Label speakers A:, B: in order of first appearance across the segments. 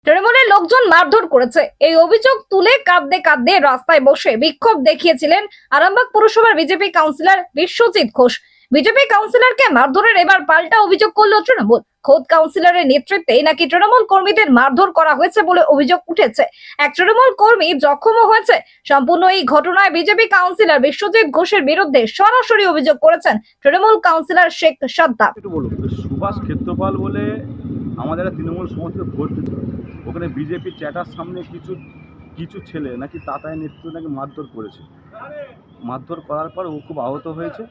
A: তৃণমূলের লোকজন মারধর করেছে, এই অভিযোগ তুলে কাঁদতে কাঁদতে রাস্তায় বসে বিক্ষোভ দেখিয়েছিলেন আরামবাগ পুরসভার BJP councillor Biswajit Ghosh. BJP কাউন্সিলরকে মারধরের এবার পাল্টা অভিযোগ করল তৃণমূল। খোদ কাউন্সিলরের নেতৃত্বে নাকি তৃণমূল কর্মীদের মারধর করা হয়েছে বলে অভিযোগ উঠেছে। এক তৃণমূল কর্মী জখমও হয়েছে। সম্পূর্ণ এই ঘটনায় বিজেপি কাউন্সিলর বিশ্বজিৎ ঘোষের বিরুদ্ধে সরাসরি অভিযোগ করেছেন তৃণমূল কাউন্সিলর শেখ সাদ্দাম।
B: সুভাষ ক্ষেত্রপাল বলে আমাদের তৃণমূল সমর্থিত ভোট দিত, ওখানে বিজেপি চ্যাটার সামনে কিছু ছেলে নাকি তাতায় নেতৃত্বে নাকি মারধর করেছে। মারধর করার পর ও খুব আহত হয়েছে।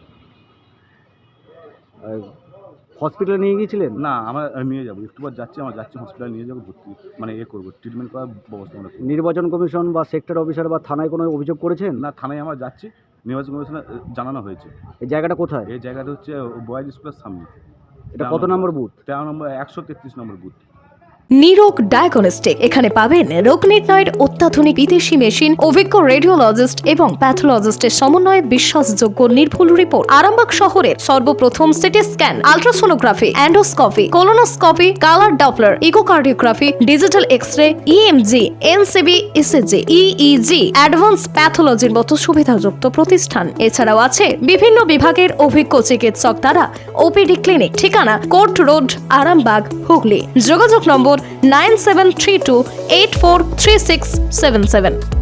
C: হসপিটালে নিয়ে গিয়েছিলেন?
B: না, আমরা নিয়ে যাবো, একটু পর যাচ্ছি হসপিটালে নিয়ে যাবো, ভর্তি মানে করবো, ট্রিটমেন্ট করার ব্যবস্থা আমরা করবো।
C: নির্বাচন কমিশন বা সেক্টর অফিসার বা থানায় কোনো অভিযোগ করেছেন?
B: না, থানায় আমরা যাচ্ছি, নির্বাচন কমিশনে জানানো হয়েছে।
C: এই জায়গাটা কোথায়?
B: এই জায়গাটা হচ্ছে বয়েজ স্কুলের সামনে।
C: এটা কত number booth?
B: 13 number 133 number booth.
D: Nirog diagnostic, এখানে পাবেন রোগ নির্ণয়ের অত্যাধুনিক বিদেশি মেশিন, অভিজ্ঞ রেডিওলজিস্ট এবং প্যাথোলজিস্টের সমন্বয়ে বিশ্বাসযোগ্য নির্ভুল রিপোর্ট। আরামবাগ শহরের সর্বপ্রথম CT scan, ultrasonography, endoscopy, colonoscopy, colour Doppler, echocardiography, digital x-ray, EMG, NCB, ECG, EEG, advance প্যাথোলজির মতো সুবিধাযুক্ত প্রতিষ্ঠান। এছাড়াও আছে বিভিন্ন বিভাগের অভিজ্ঞ চিকিৎসক দ্বারা ওপিডি ক্লিনিক। ঠিকানা কোর্ট রোড, আরামবাগ, হুগলি। যোগাযোগ নম্বর 9732843677।